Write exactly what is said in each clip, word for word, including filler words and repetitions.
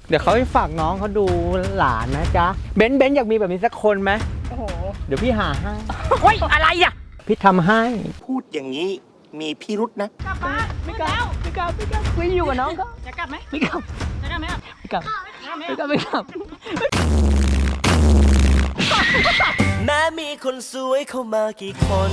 เดี๋ยวเขาไปฝากน้องเขาดูหลานนะจ๊ะเบนซ์เบนซ์อยากมีแบบนี้สักคนไหมโอ้โหเดี๋ยวพี่หาให้โอ้ยอะไรอ่ะพี่ทำให้พูดอย่างนี้มีพิรุษนะกลับบ้านไม่กลับไม่กลับไม่กลับไม่อยู่กับน้องเขาจะกลับไหมไม่กลับจะกลับไหมไม่กลับไม่กลับไม่กลับแม้มีคนสวยเข้ามากี่คน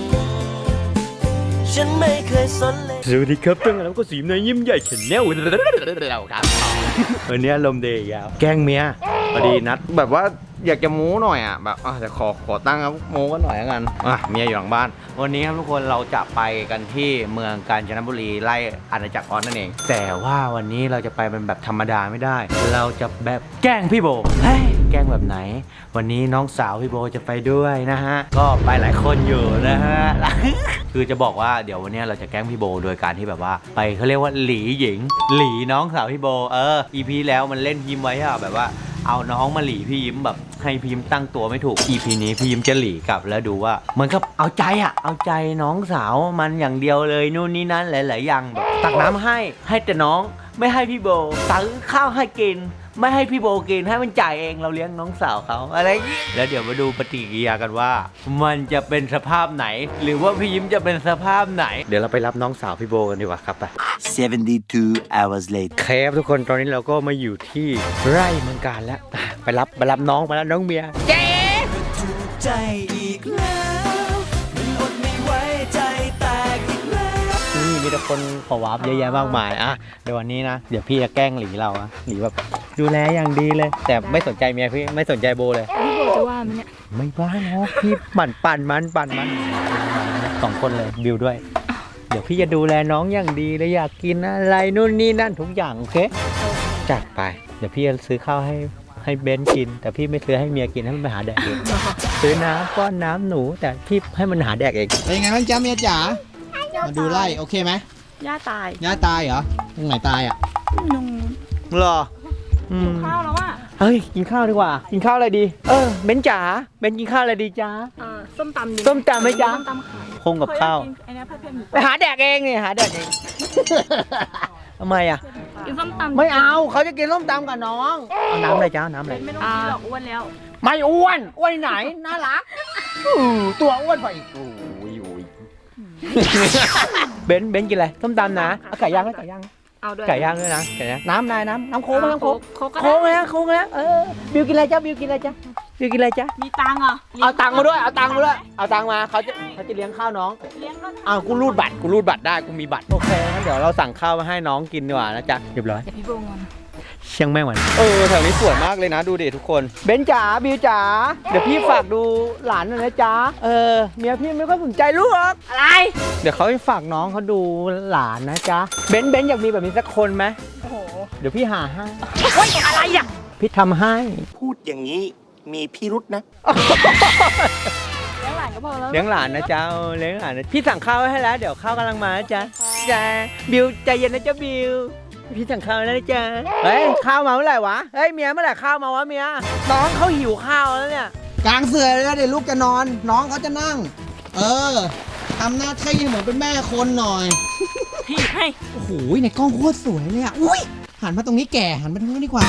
ฉันไม่เคยสนเลยสวัสดีครับตั้งแล้วก็สีน้อยยิ้มใหญ่เฉนแนวเราครับวันนี้ลมเดย์ยาวแกล้งเมียพอดีนัดแบบว่าอยากจะโม้หน่อยอ่ะแบบอ่ะแต่ขอขอตั้งครับโม้กันหน่อยแล้วกันอ่ะเมียอยู่หลังบ้านวันนี้ครับทุกคนเราจะไปกันที่เมืองกาญจนบุรีไล่อาณาจักรออสนั่นเองแต่ว่าวันนี้เราจะไปเป็นแบบธรรมดาไม่ได้เราจะแบบแกล้งพี่โบเฮ้ยแกล้งแบบไหนวันนี้น้องสาวพี่โบจะไปด้วยนะฮะก็ไปหลายคนอยู่นะฮะ คือจะบอกว่าเดี๋ยววันนี้เราจะแกล้งพี่โบโดยการที่แบบว่าไปเขาเรียกว่าหลีหญิงหลีน้องสาวพี่โบเออ อี พี แล้วมันเล่นยิ้มไว้อะแบบว่าเอาน้องมาหลีพี่ยิ้มแบบให้พี่ยิ้มตั้งตัวไม่ถูก อี พี นี้พี่ยิ้มจะหลีกลับแล้วดูว่าเหมือนกับเอาใจอะเอาใจน้องสาวมันอย่างเดียวเลยนู่นนี่นั่นหลายๆอย่างแบบตักน้ำให้ให้แต่น้องไม่ให้พี่โบตักข้าวให้กินไม่ให้พี่โบกินให้มันจ่ายเองเราเลี้ยงน้องสาวเขาอะไรอย่างนี้แล้วเดี๋ยวมาดูปฏิกิริยากันว่ามันจะเป็นสภาพไหนหรือว่าพี่ยิ้มจะเป็นสภาพไหนเดี๋ยวเราไปรับน้องสาวพี่โบกันดีกว่าครับไป seventy-two hours later เคฟทุกคนตอนนี้เราก็มาอยู่ที่ไร่เมืองการแล้วไปรับไปรับน้องไปรับน้องเมียเจ๊ใจอีกแล้วมันอดไม่ไหวใจแตกอีกแล้วนี่มีแต่คนขอวาร์ปเยอะแยะมากมายอ่ะเดี๋ยววันนี้นะเดี๋ยวพี่จะแกล้งหลีเราอะหลีแบบดูแลอย่างดีเลยแต่ไม่สนใจเมียพี่ไม่สนใจโบเลยพี่โบจะว่ามันเนี่ยไม่ว่าเนาะพี่ปั่นปั่นมันปั่นมันสองคนเลยบิวด้วยเดี๋ยวพี่จะดูแลน้องอย่างดีเลยอยากกินอะไรนู่นนี่นั่นทุกอย่างโอเคจัดไปเดี๋ยวพี่จะซื้อข้าวให้ให้เบนกินแต่พี่ไม่ซื้อให้เมียกินให้มันไปหาแดกเองซื้อน้ำก้อนน้ำหนูแต่พี่ให้มันหาแดกเองเป็นยังไงบ้างจ๊ะเมียจ๋ามาดูไร่โอเคไหมย่าตายย่าตายเหรอตรงไหนตายอ่ะนุ่งหรอกินข้าวแล้วอ่ะเฮ้ยกินข้าวดีกว่ากินข้าวอะไรดีเออเบนจ๋าเบนกินข้าวอะไรดีจ๊ะส้มตำส้มตำไหมจ๊ะส้มตำไข่คงกับข้าวไปหาแดกเองนี่หาแดกเองทำไมอ่ะกินส้มตำไม่เอาเขาจะกินส้มตำกับน้องเอาน้ำอะไรจ้าน้ำอะไรไม่ต้องกินหรอกอ้วนแล้วไม่อ้วนอ้วนไหนน่ารักตัวอ้วนไปอีกโอ้ยโอ้ยเบนเบนกินอะไรส้มตำนะเอาไก่ย่างไหมไก่ย่างเอาด้วยไก่ย่างด้วยนะไก่ย่างน้ำนายน้ำน้ำโค้งน้ำโค้งโค้งโค้งนะโค้งนะเออบิวกินอะไรจ้าบิวกินอะไรจ้าบิวกินอะไรจ้ามีตังค์เหรอเอาตังค์มาด้วยเอาตังค์มาด้วยเอาตังค์มาเขาจะเขาจะเลี้ยงข้าวน้องเลี้ยงก็เอากูรูดบัตรกูรูดบัตรได้กูมีบัตรโอเคงั้นเดี๋ยวเราสั่งข้าวมาให้น้องกินดีกว่านะจ๊ะเรียบร้อยเดี๋ยวพี่โบงอนเชียงแม่งวันเออแถวนี้สวยมากเลยนะดูดิทุกคนเบนจ๋าบิวจ๋าเดี๋ยวพี่ฝากดูหลานหน่อยนะจ๊ะเออเมียพี่ไม่ค่อยสนใจลูกอะไรเดี๋ยวเขาไปฝากน้องเขาดูหลานนะจ๊ะเบนเบนอยากมีแบบนี้สักคนไหมโอ้โหเดี๋ยวพี่หาให้โอ้ยอะไรอ่ะพี่ทำให้พูดอย่างนี้มีพิรุษนะเลี้ยงหลานก็พอแล้วเลี้ยงหลานนะจ๊ะเลี้ยงหลานนะพี่สั่งข้าวไว้ให้แล้วเดี๋ยวข้าวกำลังมานะจ๊ะจ้าบิวใจเย็นนะจ๊ะบิวพี่สั่งข้าวแล้วนะจ๊ะเฮ้ยข้าวมาเมื่อไหร่วะเฮ้ยเมียเมื่อไหร่ข้าวมาวะเมียน้องเขาหิวข้าวแล้วเนี่ยกลางเสือเลยนะเดี๋ยวลูกจะนอนน้องเขาจะนั่งเออทำหน้าที่เหมือนเป็นแม่คนหน่อยพี่ให้โอ้โหในกล้องโคตรสวยเลยอ่ะอุ้ยหันมาตรงนี้แก่หันมาตรงนี้ดีกว่า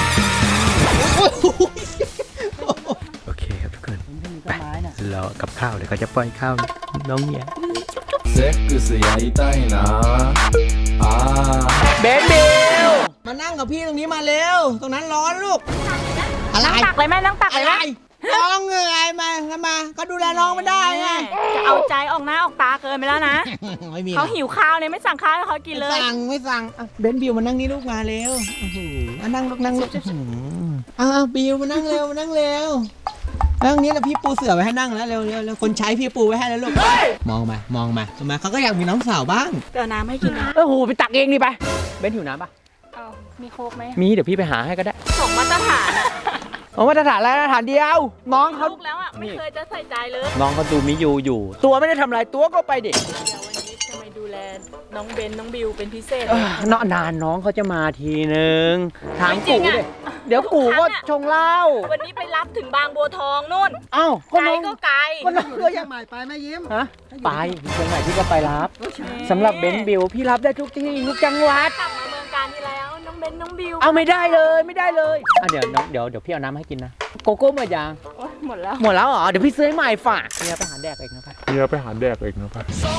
โอเคครับทุกคนไปเรากับข้าวเดี๋ยวเขาจะป้อนข้าวน้องเมียセックスやりたいなあเบนบิวมานั่งกับพี่ตรงนี้มาเร็วตรงนั้นร้อนลูกอะไรตักเลยแม่นั่งตักเลยแม่น้องเหนื่อยมาทำไมก็ดูแลน้องไม่ได้ไงจะเอาใจออกหน้าออกตาเกินไปแล้วนะเขาหิวข้าวเนี่ยไม่สั่งข้าวให้เขากินเลยสั่งไม่สั่งเบนบิวมานั่งนี่ลูกมาเร็วมานั่งลูกนั่งลูกอ้าวบิวมานั่งเร็วมานั่งเร็วนั่งนี้แล้วพี่ปูเสื่อไว้ให้นั่งแล้วเร็วเร็วแล้วคนใช้พี่ปูไว้ให้แล้วลูกมองมามองมาทำไมเขาก็อยากมีน้องสาวบ้างเดี๋ยวน้ำให้กินนะโอ้โหไปตักเองดิไปเบนหิวน้ำปะมีโค้กไหมมีเดี๋ยวพี่ไปหาให้ก็ได้สองมาตรฐานอ๋อมาตรฐานแล้วมาตรฐานเดียวน้องเขาลูกแล้วอ่ะไม่เคยจะใส่ใจเลยน้องเขาดูมิยูอยู่ตัวไม่ได้ทำอะไรตัวก็ไปดิเดี๋ยววันนี้จะมาดูแลน้องเบนน้องบิวเป็นพิเศษนานนานน้องเขาจะมาทีนึงถามกูดิเดี๋ยวกูก็ชงเหล้าวันนี้ไปรับถึงบางบัวทองนู่นอ้าวไกลก็ไกลก็น้องก็ยังใหม่ไปแม่ยิ้มฮะไปเชียงใหม่พี่ก็ไปรับสำหรับเบนบิวพี่รับได้ทุกที่ทุกจังหวัดกลับมาเมืองการที่แล้วน้องเบเป็นน้องบิวเอาไม่ได้เลยไม่ได้เลยอ่ะเดี๋ยวน้องเดี๋ยวเดี๋ยวพี่เอาน้ำให้กินนะโกโก้หมดยังโอ๊ยหมดแล้วหมดแล้วเหรอเดี๋ยวพี่ซื้อให้ใหม่ฝากเนี่ยไปหาแดกเองนะครับเฮียไปหาแดกเองนะครับ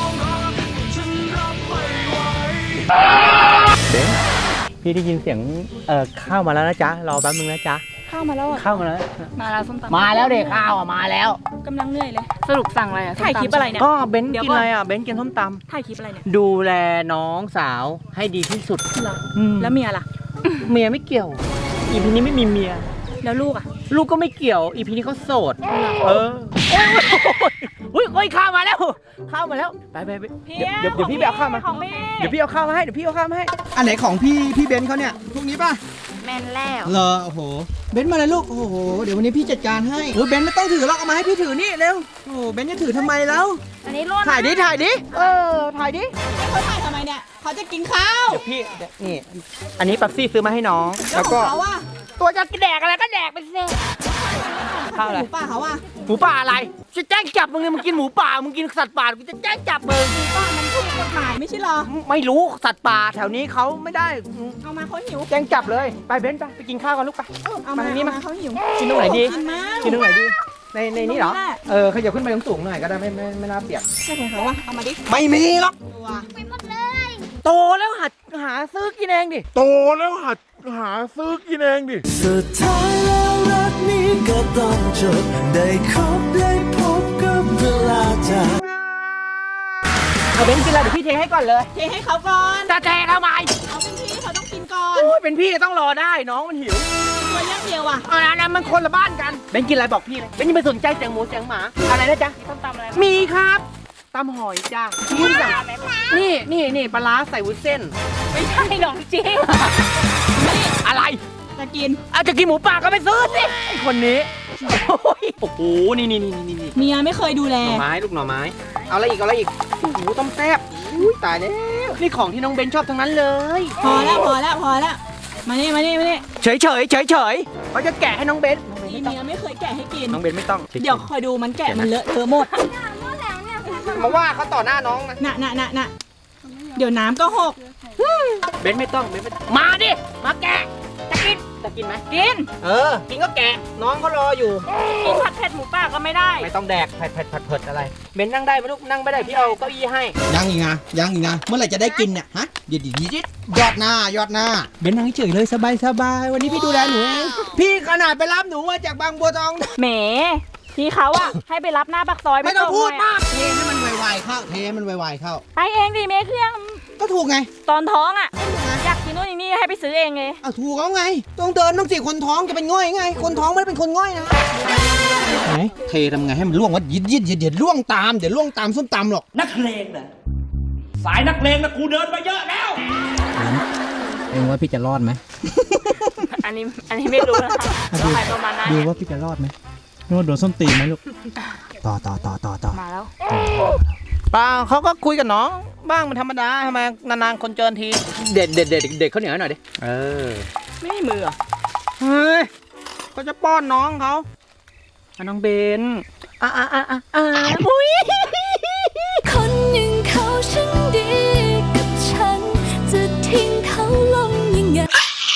เบนพี่ได้ยินเสียงเอ่อข้าวมาแล้วนะจ๊ะรอแป๊บนึงนะจ๊ะข้าวมาแล้วอ่ะข้าวมาแล้วมาแล้วส้มตำมาแล้วเด็กข้าวอ่ะมาแล้วกำลังเหนื่อยเลย สรุปสั่งอะไรอ่ะถ่ายคลิปอะไรเนี่ยก็เบนเดี๋ยวกินก่อนอะไรอ่ะเบนกินส้มตถ่ายคลิปอะไรเนี่ยำดูแลน้องสาวให้ดีที่สุดเหรออืมแล้วเมียล่ะเมียไม่เกี่ยว อีพีนี้ไม่มีเมียแล้วลูกอ่ะลูกก็ไม่เกี่ยว อีพีนี้เขาโสด เออโอ้ยโอ้ยข้าวมาแล้ว ข้าวมาแล้ว ไปไปไปเดี๋ยวเดี๋ยวเดี๋ยวพี่ไปเอาข้าวมาของพี่เดี๋ยวพี่เอาข้าวมาให้ เดี๋ยวพี่เอาข้าวมาให้อันไหนของพี่พี่เบนซ์เขาเนี่ยพวกนี้ป่ะแมนแล้วเหรอโอ้โหเบนซ์มาเลยลูกโอ้โหเดี๋ยววันนี้พี่จัดการให้โอ้ยเบนซ์ไม่ต้องถือหรอกเอามาให้พี่ถือนี่เร็วโอ้โหเบนซ์จะถือทำไมแล้วอันนี้รุ่นถ่ายดิถ่ายดิเออถ่ายดิเขาถ่ายทำไมเนี่ยเขาจะกินข้าวเดี๋ยวพี่เดี๋ยวนี่ อันนี้ปั๊บซี่ซื้อมาให้น้อง แล้วก็เขาอ่ะตัวจะแดกอะไรก็แดกไปสิข้าวอะไรหมูป่าเขาอ่ะหมูป่าอะไร จะแจ้งจับมึงเลยมึงกินหมูป่า มึงกินสัตว์ป่า กูจะแจ้งจับมึงหมูป่ามันถูกกฎหมายไม่ใช่เหรอไม่รู้สัตว์ป่าแถวนี้เขาไม่ได้เอามาเขาหิวแจ้งจับเลย ไปเบนซ์ไปไปกินข้าวกันลูกไปเอามามาทางนี้มาเอเขาหิวกินตรงไหนดีกินมากกินตรงไหนดี ในในนี้เหรอตรงนี้แหละเออขยับขึ้นไปสูงๆหน่อยก็ได้ไม่ไม่ไม่น่าเปียกใช่ไหมเขาวะเอามาดิไม่มีหรอกตัวโตแล้วหัดหาซื้อกินเองดิโตแล้วหัดหาซื้อกินเองดิสุดท้ายแล้วรักนี้ก็ต้องจบได้คบได้พบกับเวลาจากเอาเบนซ์กินอะไรเดี๋ยวพี่เทให้ก่อนเลยเทให้เขาก่อนจะเททำไมเอาเป็นพี่เขาต้องกินก่อนโอ้ยเป็นพี่ต้องรอได้น้องมันหิวตัวย่างเดียวอ่ะเอานะนะมันคนละบ้านกันเบนซ์กินอะไรบอกพี่เลยเบนซ์อย่าไปสนใจเสียงหมูเสียงหมาอะไรนะจ๊ะมีส้มตำอะไรมีครับตำหอยจ้านี่จ้ะนี่นี่นี่ปลาร้าใส่วุ้นเส้นไม่ใช่หรอกจริงอะไรจะกินอาจจะกินหมูป่าก็ไปซื้อสิไอคนนี้โอ้ยโอ้โหนี่นี่นี่นี่นี่เมียไม่เคยดูแลหน่อไม้ลูกหน่อไม้เอาอะไรอีกเอาอะไรอีกโอ้โหต้มแซ่บอุ้ยตายแล้วนี่ของที่น้องเบนชอบทั้งนั้นเลยพอแล้วพอแล้วพอแล้วมานี่มานี่มานี่เฉยเฉยเฉยเฉยเขาจะแกะให้น้องเบนน้องเบนนี่ไม่ต้องเมียไม่เคยแกะให้กินน้องเบนไม่ต้องเดี๋ยวคอยดูมันแกะมันเลอะเทอะหมดมาว่าเขาต่อหน้าน้องนะน่ะน่ะน่ะน่ะเดี๋ยวน้ำก็หกเบนไม่ต้องเบนไม่ต้องมาดิมาแกะจะกินจะกินไหมกินเออกินก็แกะน้องเขารออยู่กินผัดเผ็ดหมูป่าก็ไม่ได้ไม่ต้องแดกผัดผัดผัดเผ็ดอะไรเบนนั่งได้ไหมลูกนั่งไม่ได้พี่เอาเก้าอี้ให้ยังอีกนะยังอีกนะเมื่อไหร่จะได้กินเนี่ยฮะเดี๋ยวเดี๋ยวเดี๋ยวยอดหน้ายอดหน้าเบนซ์นั่งเฉยเลยสบายสบายวันนี้พี่ดูแลหนูเองพี่ขนาดไปรับหนูมาจากบางบัวทองแหมพี่เขาอะให้ไปรับหน้าปากซอยไม่ต้องส่พูดหน่ยมากเทให้มันไวๆเข้าเทให้มันไวๆเข้าไปเองดิเมเครื่องก็ถูกไงตอนท้องอะอยากกินนู่นนี่ให้ไปซื้อเองเลยเอาถูกเขาไงต้องเดินต้องสิคนท้องจะเป็นง่อยไง คนท้องไม่ได้เป็นคนง่อยนะไหนเททำไงให้มันล่วงวะยิดยิดยิดเดี๋ยวล่วงตามเดี๋ยวล่วงตามส้มตำหรอกนักเลงนะสายนักเลงนะกูเดินมาเยอะแล้วเองว่าพี่จะรอดไหมอันนี้อันนี้ไม่รู้นะคะตัวใครตัวมันนะดูเนี่ยว่าพี่จะรอดไหมรอดโดนส้มตีไหมลูกต่อต่อต่อต่อต่อมาแล้วป้าเขาก็คุยกับน้องบ้างมันธรรมดาทำไมนานๆคนเจอทีเด็ดเด็ดเด็ดเด็ดเขาเหนียวหน่อยดิเออไม่มีมือเหรอเฮ้ยก็จะป้อนน้องเขาอ่ะน้องเบนอ่ะอ่ะอ่ะอ่ะอ่ะมุ้ยคนหนึ่งเขาช่างดีกับฉัน จะทิ้งเขาลงยังไง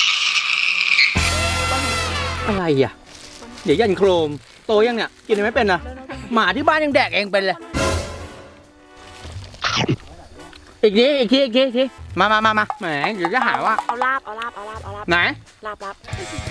อะไรอ่ะเดี๋ยวยันโครมโตยังเนี่ยกินอะไรไม่เป็นนะหมาที่บ้านยังแดกเองเป็นเลยอีกทีอีกทีอีกทีอีกทีมามามามาแหมเดี๋ยวจะหาว่าเอาลาบเอาลาบเอาลาบเอาลาบไหนลาบลาบ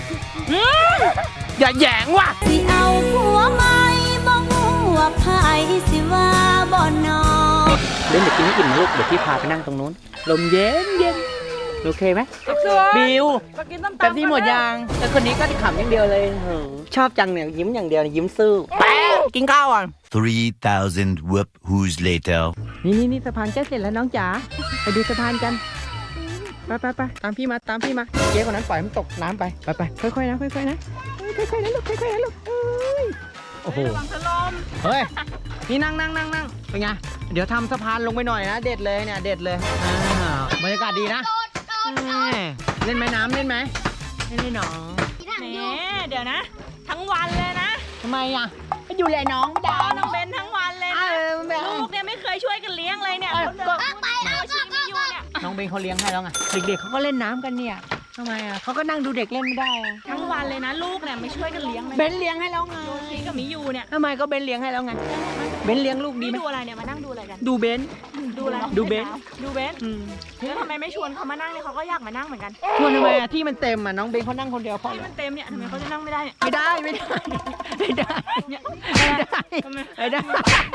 อย่าแหยงว่ะสิเอาผัวใหม่บ่ฮู้ว่าไผสิว่าบ่นอเล่นเดี๋ยวกินให้กินนะลูกเดี๋ยวพี่พาไปนั่งตรงนู้นลมเย็นเย็นโอเคไหมสวยบิวมากินต้มตำแป๊บซี่หมดยังแต่คนนี้ก็ขำอย่างเดียวเลยเหอะชอบจังเนี่ยยิ้มอย่างเดียวยิ้มซื่อแป๊บกินข้าวอ่ะ three thousand whoop who's later นี่นี่นี่สะพานใกล้เสร็จแล้วน้องจ๋าไปดูสะพานกันไปไปไปตามพี่มาตามพี่มาเจ๊คนนั้นปล่อยมันตกน้ำไปไปไปค่อยๆนะค่อยๆนะค่อยๆนะลูกค่อยๆนะลูกเอ้ยโอ้โหระวังถล่มเฮ้ยนี่นั่งนั่งนั่งนั่งเป็นไงเดี๋ยวทำสะพานลงไปหน่อยนะเด็ดเลยเนี่ยเด็ดเลยอ่าบรรยากาศดีนะเล่นไหมน้ำเล่นไหมเล่นเลยน้องแหมเดี๋ยวนะ ทั้งวันเลยนะทำไมอ่ะไปดูแลน้องไม่รได้อน้องเบนทั้งวันเลยเอนะอแบบลูกเนี่ยไม่เคยช่วยกันเลี้ยงเลยเนี่ยเออเขาเดินไปแล้วชีไม่อยู่เนี่ยน้องเบนเขาเลี้ยงให้แล้วไงเด็กๆเขาก็เล่นน้ำกันเนี่ยทำไมอ่ะเขาก็นั่งดูเด็กเล่นไม่ได้อะทั้งวันเลยนะลูกเนี่ยไม่ช่วยกันเลี้ยงเลยเบนเลี้ยงให้แล้วไงโยชิกับมิยูเนี่ยทำไมก็เบนเลี้ยงให้แล้วไงเบนเลี้ยงลูกดีนี่ไหมดูอะไรเนี่ยมานั่งดูอะไรกันดูเบนดูอะไรดูเบนดูเบนอืมแล้วทำไมไม่ชวนเขามานั่งเนี่ยเขาก็อยากมานั่งเหมือนกันชวนทำไมอ่ะที่มันเต็มอ่ะน้องเบนเขานั่งคนเดียวพอที่แล้วมันเต็มเนี่ยทำไมเขาจะนั่งไม่ได้เนี่ยไม่ได้ไม่ได้ไม่ได้เนี่ยไม่ได้ทำไมไม่ได้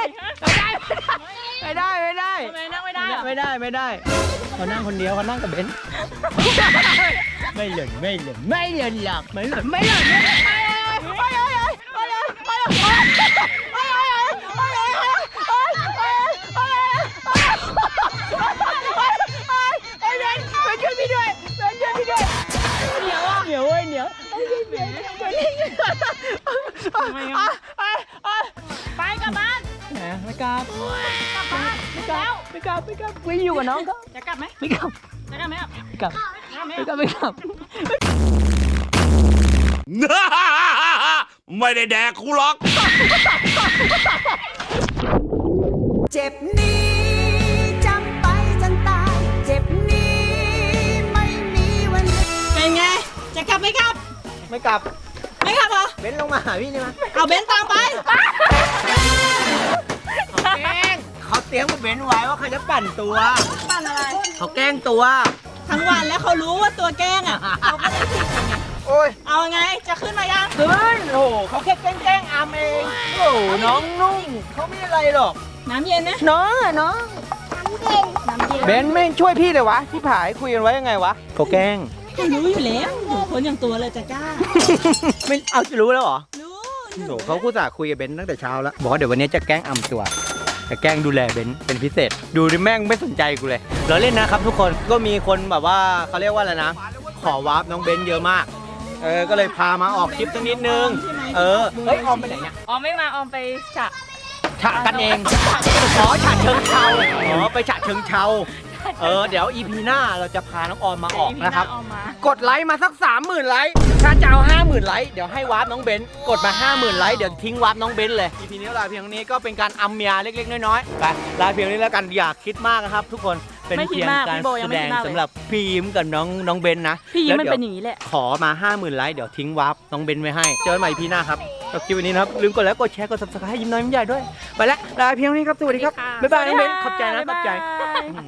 ไม่ได้ไม่ได้ทำไมนั่งไม่ได้อะไม่ได้ไม่ได้เขานั่งคนเดียวเขานั่งกับเบนไม่หล่นไม่หล่นไม่หล่นหรอกไม่หล่นไม่หล่นไม่หล่นเหนียวเว้ยเหนียวทำไมอะไปกลับบ้านไม่กลับกลับบ้านไม่กลับไม่กลับไม่กลับไม่อยู่กับน้องเขาจะกลับไหมไม่กลับจะกลับไหมอ่ะไม่กลับจะกลับไหมไม่กลัอ่ะบไม่กลับไม่ได้แดกกูหรอกเจ็บนี้จำไปจนตาย เจ็บนี้ไม่มีวันหยุดเป็นไงจะกลับไหมครับไม่กลับไม่กลับเหรอเบนลงมาหาพี่นี่มาเอาเบนตามไปแกล้งเขาเตรียมกับเบนไว้ว่าเขาจะปั่นตัวปั่นอะไรเขาแกล้งตัวทั้งวันแล้วเขารู้ว่าตัวแกล้งอ่ะเขาก็เลยผิดไงโอ้ยเอาไงจะขึ้นมายังขึ้นโอ้โหเขาแค่แกล้งแกล้งอามเองโอ้โหน้องนุ่งเขาไม่อะไรหรอกน้ำเย็นนะน้องอะน้องน้ำเย็นเบนไม่ช่วยพี่เลยวะที่ผายคุยกันไว้ยังไงวะเขาแกล้งเขารู้อยู่แล้วหนูคนอย่างตัวเลยจะกล้าไม่เอาจะรู้แล้วเหรอรู้โหเขาคู่สาคุยกับเบนตั้งแต่เช้าแล้วบอกว่าเดี๋ยววันนี้จะแกล้งอำตัวจะแกล้งดูแลเบนเป็นพิเศษ ดูดิแม่งไม่สนใจกูเลยเราเล่นนะครับทุกคนก็มีคนแบบว่าเขาเรียกว่าอะไรนะ ขอวาร์ปน้องเบนเยอะมากเออก็เลยพามาออกคลิปสักนิดนึงเออเฮ้ยออมไปไหนเนี่ยออมไม่มาออมไปฉะฉะกันเองอ๋อฉะเชิงเทราอ๋อไปฉะเชิงเทราเออเดี๋ยวอีพีหน้าเราจะพาน้องออมมาออกนะครับออมมากดไลค์มาสักสามหมื่นไลค์ถ้าจะเอาห้าหมื่นไลค์เดี๋ยวให้วาร์ปน้องเบนกดมาห้าหมื่นไลค์เดี๋ยวทิ้งวาร์ปน้องเบนเลย อีพีนี้ลาเพียงเท่านี้ก็เป็นการอัมเมียเล็กๆน้อยๆไปลาเพียงนี้แล้วกันอย่าคิดมากนะครับทุกคนเป็นเพียงการแสดงสำหรับพี่ยิ้มกับน้องน้องเบนนะพี่ยิ้มมันแล้วเป็นดี๋วอย่างนี้แหละขอมาห้าหมื่นไลค์เดี๋ยวทิ้งวาร์ปน้องเบนไว้ให้เจอกันใหม่อีพีหน้าครับจบคลิปวันนี้นะครับลืมกดไลค์กดแชร์กด ซับสไครบ์ ให้ยิ้มน้อยยิ้มใหญ่ด้วยไปแล้วลาเพียงเท่านี้ครับสวัสดีครับบ๊ายบายน้องเบนขอบใจนะขอบใจ